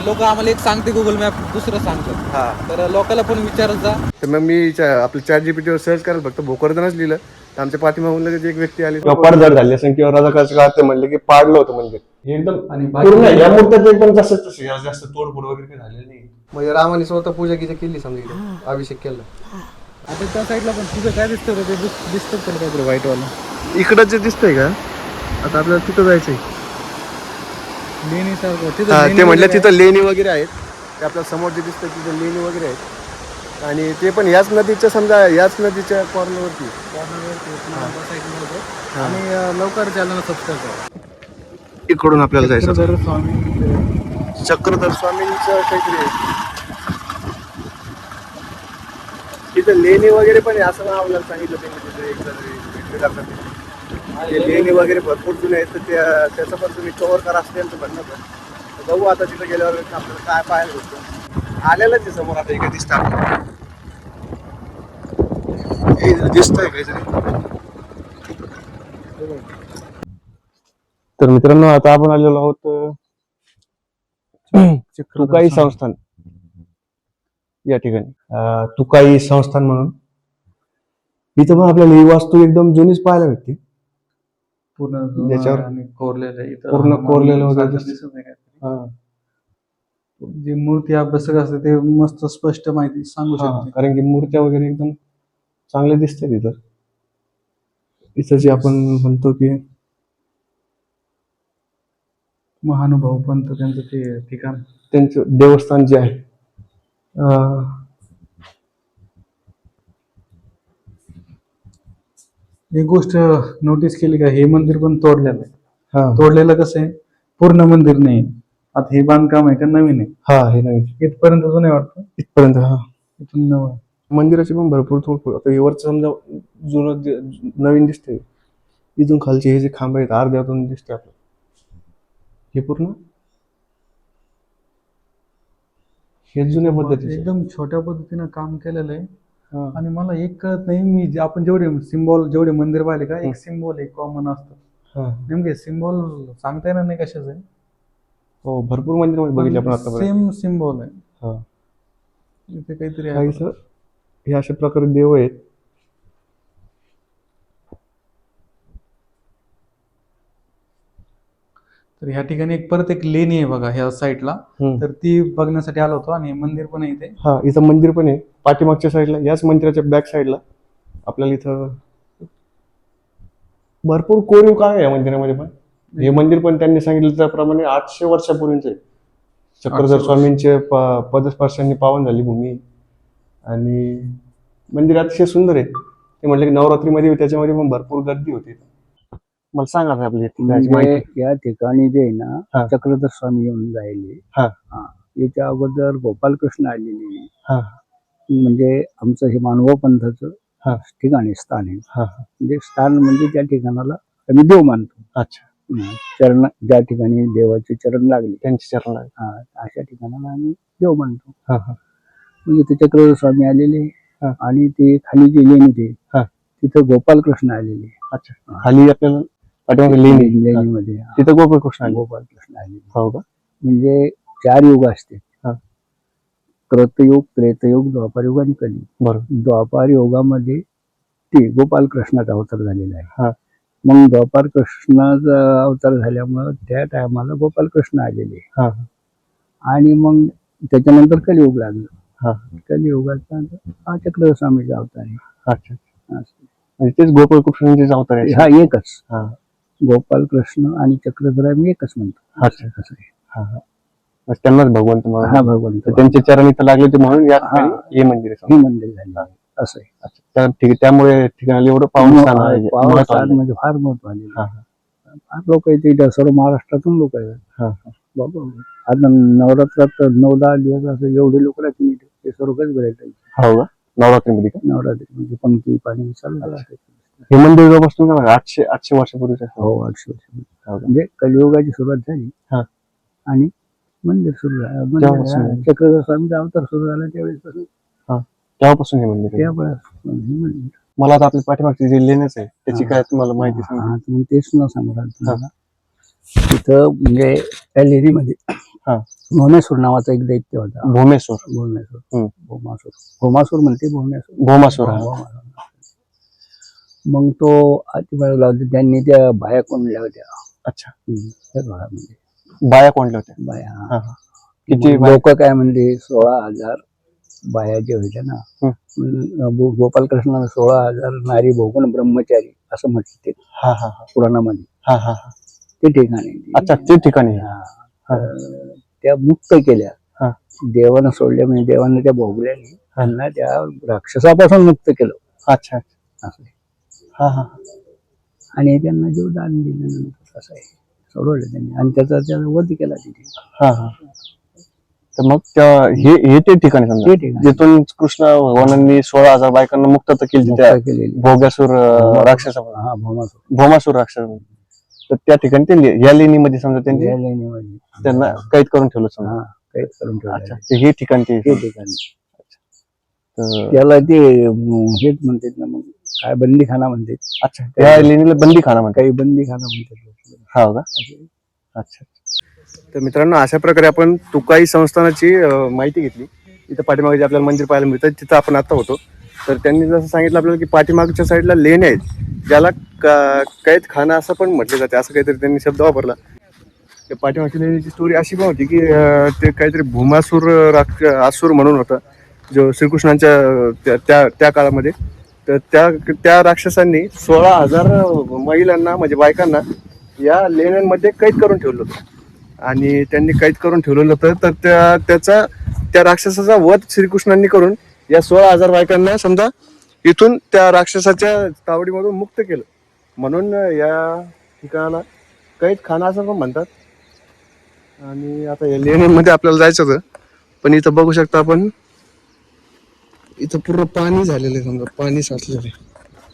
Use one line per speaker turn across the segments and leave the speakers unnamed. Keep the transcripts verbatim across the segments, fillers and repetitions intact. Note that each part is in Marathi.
लोक आम्हाला एक सांगते गुगल मॅप, दुसरं सांगतात.
हा
तर लोकांना पण विचारत जा.
तर मग मी आपल्या चॅट जीपीटीवर सर्च करायला फक्त भोकरदनच लिहिलं तर आमच्या पाठीमागून लगेच एक व्यक्ती आली पडझड झाली असेल किंवा रजाकाच्या काळात ते म्हणले की पाडलं होतं मंदिर हे एकदम
आणि
पूर्ण या मूर्त्यात एकदम जसं तसं जास्त तोडफोड वगैरे काही झालेलं नाही. म्हणजे रामाने स्वतः पूजा गिजा केली समजा इथे अभिषेक केला.
आता त्या साईडला पण तुझं काय दिसतं रे? ते दिसतं पण काहीतरी व्हाईटवालं
इकडं जे दिसतंय का आता आपल्याला तिथं जायचंय.
लेणी सारखं
हा,
तिथं
ते म्हटलं तिथं लेणी वगैरे आहेत. ते आपल्या समोर जे दिसतं तिथं लेणी वगैरे आहेत आणि ते पण याच नदीच्या समजा याच नदीच्या कॉर्नरवरती.
आणि लवकर चॅनल सबस्क्राईब करा.
इकडून आपल्याला जायचं
चक्रधर स्वामी
चक्रधर स्वामींचं काहीतरी आहे. तिथं लेणी वगैरे पण आहे असं आपल्याला सांगितलं त्यांनी तिथे एक जण करतात ते लेणी वगैरे भरपूर जुने आहेत तर त्या त्याचं पण तुम्ही कव्हर करा असं त्यांचं म्हणणं होतं. बघू आता तिथं गेल्यावर आपल्याला काय पाहायला होतं. आलेलंच आहे समोर आता एका दिसतं दिसतंय काहीतरी. तर मित्रांनो आता आपण आलेलो आहोत तुकाई संस्थान या ठिकाणी. तुकाई संस्थान म्हणून इथं पण आपल्याला ही वास्तू एकदम जुनीच पाहायला भेटते.
पूर्ण
ज्याच्यावर
कोरलेलं
पूर्ण कोरलेलं वगैरे
दिसत नाही. जी मूर्ती अभ्यासक असते ते मस्त स्पष्ट माहिती सांगू शकते.
कारण की मूर्त्या वगैरे एकदम चांगले दिसते तिथं. इथं जे आपण म्हणतो की
महानुभाव पंत त्यांचं ते ठिकाण
त्यांचं देवस्थान जे आहे
एक गोष्ट नोटीस केली का? हे मंदिर पण तोडलेलं आहे.
हा
तोडलेलं कसं आहे? पूर्ण मंदिर नाही. आता हे बांधकाम आहे का नवीन आहे?
हा हे नवीन
इथपर्यंत जुनं आहे वाटतं.
इथपर्यंत हा
इथून नवं आहे.
मंदिराची पण भरपूर तोडफोड. आता वरचं समजा जुनं नवीन दिसतंय. इथून खालचे हे जे खांब आहेत अर्ध्यातून दिसते आपलं हे पूर्ण हे जुन्या पद्धतीचे
एकदम छोट्या पद्धतीनं काम केलेलं आहे. आणि मला एक कळत नाही, मी आपण जेवढे सिम्बॉल जेवढे मंदिर पाहिले का एक सिम्बॉल एक कॉमन असतं. नेमके सिम्बॉल सांगता येणार नाही कशाचं आहे.
हो भरपूर मंदिर बघितले आपण आता.
सेम सिम्बॉल आहे. इथे काहीतरी आहे.
हे अशा प्रकारे देव आहेत.
तर ह्या ठिकाणी एक परत एक लेणी आहे बघा ह्या साईडला. तर ती बघण्यासाठी आलो होतो. आणि मंदिर पण आहे इथे.
हा इथं मंदिर पण आहे पाठीमागच्या साईडला. याच मंदिराच्या बॅक साईडला आपल्याला इथं भरपूर कोरीव काम आहे या मंदिरामध्ये. पण हे मंदिर पण त्यांनी सांगितलं त्याप्रमाणे आठशे वर्षापूर्वीच आहे. चक्रधर स्वामींचे पदस्पर्शांनी पावन झाली भूमी. आणि मंदिर अतिशय सुंदर आहे. ते म्हटलं की नवरात्रीमध्ये त्याच्यामध्ये पण भरपूर गर्दी होती. मला सांगा
म्हणजे या ठिकाणी जे आहे ना चक्रधर स्वामी येऊन जायले. याच्या अगोदर गोपालकृष्ण आलेले. म्हणजे आमचं हे मानव पंथाचं ठिकाणी स्थान आहे. म्हणजे स्थान म्हणजे त्या ठिकाणाला आम्ही देव मानतो.
अच्छा
चरण ज्या ठिकाणी देवाचे चरण लागले
त्यांचे चरण लागले
अशा ठिकाणाला आम्ही देव मानतो. म्हणजे ते चक्रधर स्वामी आलेले. आणि ते खाली जे लेणी ते तिथं गोपालकृष्ण आलेले.
अच्छा खाली आपल्याला
लेणीमध्ये
तिथं गोपालकृष्ण
गोपालकृष्ण आलेले.
हो का?
म्हणजे चार युग असते. कृतयुग, त्रेतयुग, द्वापार युग आणि कलियुग. बरोबर. द्वापार युगामध्ये ते गोपालकृष्णाचा अवतार झालेला आहे. मग द्वापार कृष्णाचा अवतार झाल्यामुळं त्या टायमाला गोपालकृष्ण आलेले. आणि मग त्याच्यानंतर कलियुग लागलं. कलियुगाचा हा चक्रधर स्वामीचा अवतार आहे.
अच्छा तेच गोपालकृष्णांचे अवतार आहे.
हा एकच गोपालकृष्ण आणि चक्रधर आम्ही एकच म्हणतो. असं कसं आहे.
त्यांनाच भगवंत
हा भगवंत
त्यांचे चरण इथं लागले ते म्हणून हे मंदिर
हे मंदिर झाले असं आहे.
ठीक आहे. त्यामुळे ठिकाणी एवढं पावन स्थान
म्हणजे फार महत्व आले. फार लोक येते सर्व महाराष्ट्रातून लोक आहेत बाबा. आता नवरात्रात नऊ दहा दिवस असं एवढे लोक राहतील ते सर्वच भेटायचे.
हो का? नवरात्रीमध्ये
नवरात्री म्हणजे पंक्ती पाणी चालू राहते.
हे मंदिर जवळपासून आठशे आठशे वर्षापूर्वीच आहे.
हो आठशे वर्षापूर्वी म्हणजे कलियुगाची सुरुवात झाली. आणि मंदिर सुरू झालं. चक्रधर स्वामीचा अवतार सुरू झाला त्यावेळेस
तेव्हापासून हे मंदिर. मला आता आपल्या पाठीमागची जे लेणीच आहे त्याची काय तुम्हाला माहिती सांगा.
मग तेच न सांगू तुम्हाला. तिथं म्हणजे त्या लेणीमध्ये
हा.
भोमेश्वर नावाचा एक दैत्य होता.
भोमेश्वर
भोमेश्वर
हम्म.
भोमासूर भोमासूर म्हणते भोमेश्वर
भोमासूर हा.
भोमासूर. मग तो अतिबाळला होता, त्यांनी त्या बाया कोंडल्या होत्या.
अच्छा.
हम्म, त्या काळामध्ये
बाया कोणल्या होत्या?
बाया
हा, हा. किती
लोक काय म्हणले सोळा हजार बाया जे होत्या ना,
हम्म.
गो- गोपालकृष्णानं सोळा हजार नारी भोगून ब्रह्मचारी असं म्हटलं ते
हा हा हा
पुराणामध्ये.
हा हा हा.
ते ठिकाणी
अच्छा ते ठिकाणी.
हा.
हा.
तर त्या मुक्त केल्या.
हा.
देवानं सोडल्या म्हणजे देवानं त्या भोगल्याने त्यांना त्या राक्षसापासून मुक्त केलं.
अच्छा.
असं.
हा हा.
आणि त्यांना जीव दान दिल्यानंतर असं आहे सोडवलं त्यांनी आणि त्याचा त्याचा वध केला तिथे.
हा हा. तर मग त्या- हे हे ते ठिकाणी समजा
ते ठिकाणी
जिथून कृष्ण भगवानांनी सोळा हजार बायकांना मुक्त तर केली त्या
मुक्त केलेली.
भोगासूर अं, राक्षसापासून
हा भोमासूर.
भोमासूर राक्षस. तर त्या ठिकाणी ते ले- या लेणीमध्ये समजा त्यांनी
या लेणीमध्ये
त्यांना कैद करून ठेवलं समजा.
हा कैद करून
अच्छा.
ठेवलं
ते हे ठिकाण ते
ते ठिकाणी.
तर-
त्याला ते अं, हेच म्हणतात ना, मग काय बंदीखाना म्हणतात.
अच्छा त्या लेणीला बंदीखाना म्हणतात.
काही बंदीखाना म्हणतात.
हा का. अच्छा. तर मित्रांनो अशा प्रकारे आपण तुकाई संस्थानाची अं, माहिती घेतली. इथं पाठीमागे जे आपल्याला मंदिर पाहायला मिळतं तिथं आपण आता होतो. तर त्यांनी जसं सांगितलं आपल्याला की पाठीमागच्या साईडला लेण्या आहेत ज्याला क- कैद खाना असं पण म्हटलं जाते, असं काहीतरी त्यांनी शब्द वापरला. त्या पाठीमागच्या लेणीची स्टोरी अशी पण होती की अं, ते काहीतरी भूमासूर राक्ष आसूर म्हणून होता जो श्रीकृष्णांच्या अं, त्या- त्या त्या काळामध्ये. तर त्या त्या राक्षसांनी सोळा हजार महिलांना म्हणजे बायकांना या लेण्यांमध्ये कैद करून ठेवलं होतं. आणि त्यांनी कैद करून ठेवलेलं होतं. तर त्या त्याचा त्या राक्षसाचा वध श्रीकृष्णांनी करून या सोळा हजार बायकांना समजा इथून त्या राक्षसाच्या तावडीमधून मुक्त केलं. म्हणून या ठिकाणाला कैद खाना असं पण म्हणतात. आणि आता या लेण्यांमध्ये आपल्याला जायचं होतं पण इथं बघू शकता आपण इथं पूर्ण पाणी झालेलं आहे, समजा पाणी साचलेलं आहे.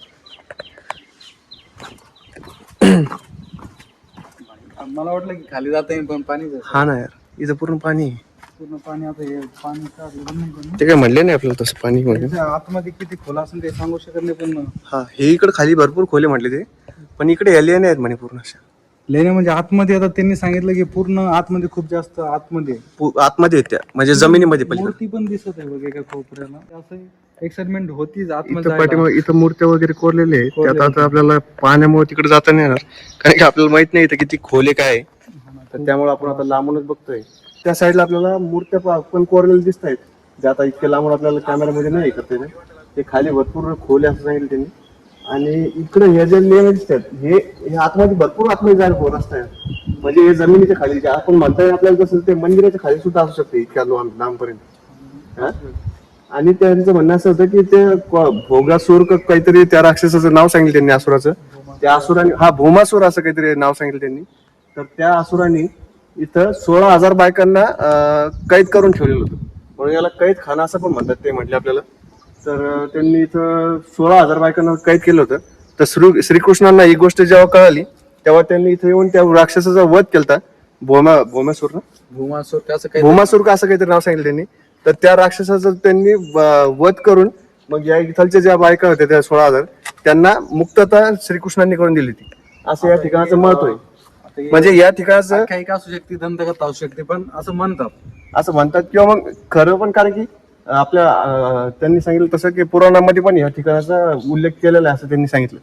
मला वाटलं की खाली जाता येईल पण पाणी
हा ना यार, इथं पूर्ण पाणी आहे.
पूर्ण पाणी आता हे पाणी काढलं नाही पण.
ते काय म्हणले नाही आपल्याला तसं पाणी म्हणजे.
त्याच्या आतमध्ये किती खोला असेल ते सांगू शकत नाही पण
हा हे इकडे खाली भरपूर खोले म्हटले ते, पण इकडे एलियन आहेत म्हणे पूर्ण अशा.
लेण्या म्हणजे आतमध्ये आता त्यांनी सांगितलं की पूर्ण आतमध्ये खूप जास्त आतमध्ये आहे.
पु- आतमध्ये आहेत त्या म्हणजे जमिनीमध्ये पलीकडे.
मूर्ती पण दिसत आहे बघ एका कोपऱ्याला. असं एक्साइटमेंट होतीच आतमध्ये
इथं
जायला.
पाठीमागे इथं मूर्त्या वगैरे कोरलेले आहेत.
कोरलेले
त्यात आता आपल्याला पाण्यामुळे तिकडे जाता नाही येणार कारण की आपल्याला माहित नाही इथं किती खोले काय आहे. तर त्यामुळे आपण आता लांबूनच बघतोय. त्या साईडला आपल्याला मूर्त्या पा- पण कोरलेल्या दिसत आहेत जे आता इतक्या लांबून आपल्याला कॅमेरामध्ये नाही करता येत. ते खाली भरपूर खोले असं सांगितलं त्यांनी. आणि इकडे हे जे लेण्या दिसतात हे हे आतमध्ये भरपूर आतमध्ये जायला पोर असतात म्हणजे हे जमिनीच्या खाली जे आपण म्हणता येईल आपल्याला तसं ते मंदिराच्या खाली सुद्धा असू शकते इतक्या लांब लांबपर्यंत. हा? आणि त्यांचं म्हणणं असं होतं की ते क- भोगासूर का काहीतरी त्या राक्षसाचं नाव सांगितलं त्यांनी असुराचं. त्या असुराने हा भूमासूर असं काहीतरी नाव सांगितलं त्यांनी. तर त्या असुराने इथं सोळा हजार बायकांना अं, कैद करून ठेवलेलं होतं म्हणून याला कैद खाना असं पण म्हणतात ते म्हटले आपल्याला. तर अं, त्यांनी इथं सोळा हजार बायकांना कैद केलं होतं. तर श्री श्रीकृष्णांना ही गोष्ट जेव्हा कळाली तेव्हा त्यांनी इथं येऊन त्या राक्षसाचा वध केलता. भोमा भोमासूर ना
भूमासूर का असं काही
भूमासूर का असं काहीतरी नाव सांगितलं त्यांनी. तर त्या राक्षसाचं त्यांनी व- वध करून मग या इथलच्या ज्या बायका होत्या त्या सोळा हजार त्यांना मुक्तता श्रीकृष्णांनी करून दिली होती असं या ठिकाणाचं महत्व आहे. म्हणजे या ठिकाणाचं
काही का असू शकते दंतकथा असू शकते पण असं म्हणतात.
असं म्हणतात किंवा मग खरं पण कारण की आपल्या अं, त्यांनी सांगितलं तसं की पुराणामध्ये पण या ठिकाणाचा उल्लेख केलेला आहे असं त्यांनी सांगितलं.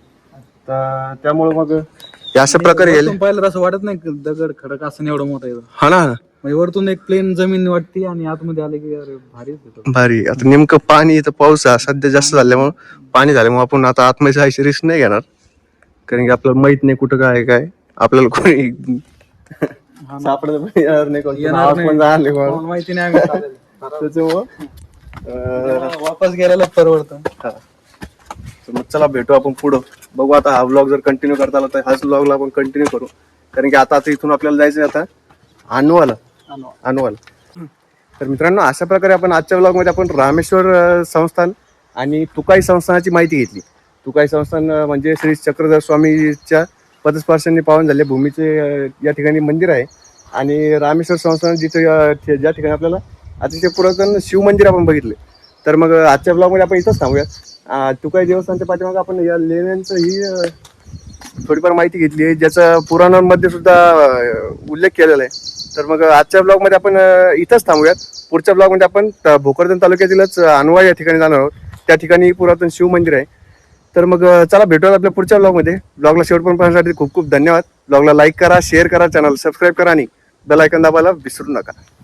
तर त्यामुळे मग हे अशा प्रकारे गेले.
वरतून पाहिलं तर असं वाटत नाही की दगड खडक असं एवढं मोठं आहे.
हा ना
म्हणजे वरतून एक प्लेन जमीन वाटते आणि आतमध्ये आले की अरे भारीच येतो.
भारी. आता नेमकं पाणी इथं पाऊस आहे सध्या जास्त झाल्यामुळं पाणी झाल्यामुळे आपण आता आतमध्ये जायची रिस्क नाही घेणार कारण की आपल्याला माहित नाही कुठं काय आहे काय. आपल्याला कोणी सापडत पण येणार नाही कोणी
येणार
आवाज
नाही.
पण जाणार नाही कोणाला.
कोणाला माहिती नाही आम्ही चालेल.
त्याच्यामुळं अं,
वापस गेलेला परवडतं.
हा. तर मग चला भेटू आपण पुढं बघू. आता हा व्लॉग जर कंटिन्यू करता आला तर ह्याच व्लॉगला आपण कंटिन्यू करू कारण की आता आता इथून आपल्याला जायचं आहे आता अनुवाला अनुवाला. तर मित्रांनो अशा प्रकारे आपण आजच्या व्लॉगमध्ये आपण रामेश्वर अं, संस्थान आणि तुकाई संस्थानाची माहिती घेतली. तुकाई संस्थान अं, म्हणजे श्री चक्रधर स्वामीच्या पदस्पर्शांनी पावन झाले भूमीचे अं, या ठिकाणी मंदिर आहे. आणि रामेश्वर संस्थान जिथे अं, ठे- ज्या ठिकाणी आपल्याला अतिशय पुरातन शिवमंदिर आपण बघितले. तर मग आजच्या ब्लॉगमध्ये आपण इथंच थांबूया. अं, तुकाई देवस्थानच्या पाठीमागे आपण या लेण्यांचं ही अं, थोडीफार माहिती घेतली आहे ज्याचा पुराणांमध्ये सुद्धा अं, उल्लेख केलेला आहे. तर मग आजच्या ब्लॉगमध्ये आपण अं, इथंच थांबूयात. पुढच्या ब्लॉगमध्ये आपण त- भोकरदन तालुक्यातीलच अनवा या ठिकाणी जाणार आहोत. त्या ठिकाणी पुरातन शिव मंदिर आहे. तर मग अं, चला भेटूयात आपल्या पुढच्या ब्लॉगमध्ये. ब्लॉगला शेवटपर्यंत पाहण्यासाठी खूप खूप धन्यवाद. ब्लॉगला लाईक करा, शेअर करा, चॅनल सबस्क्राईब करा आणि बेल आयकॉन दाबायला विसरू नका.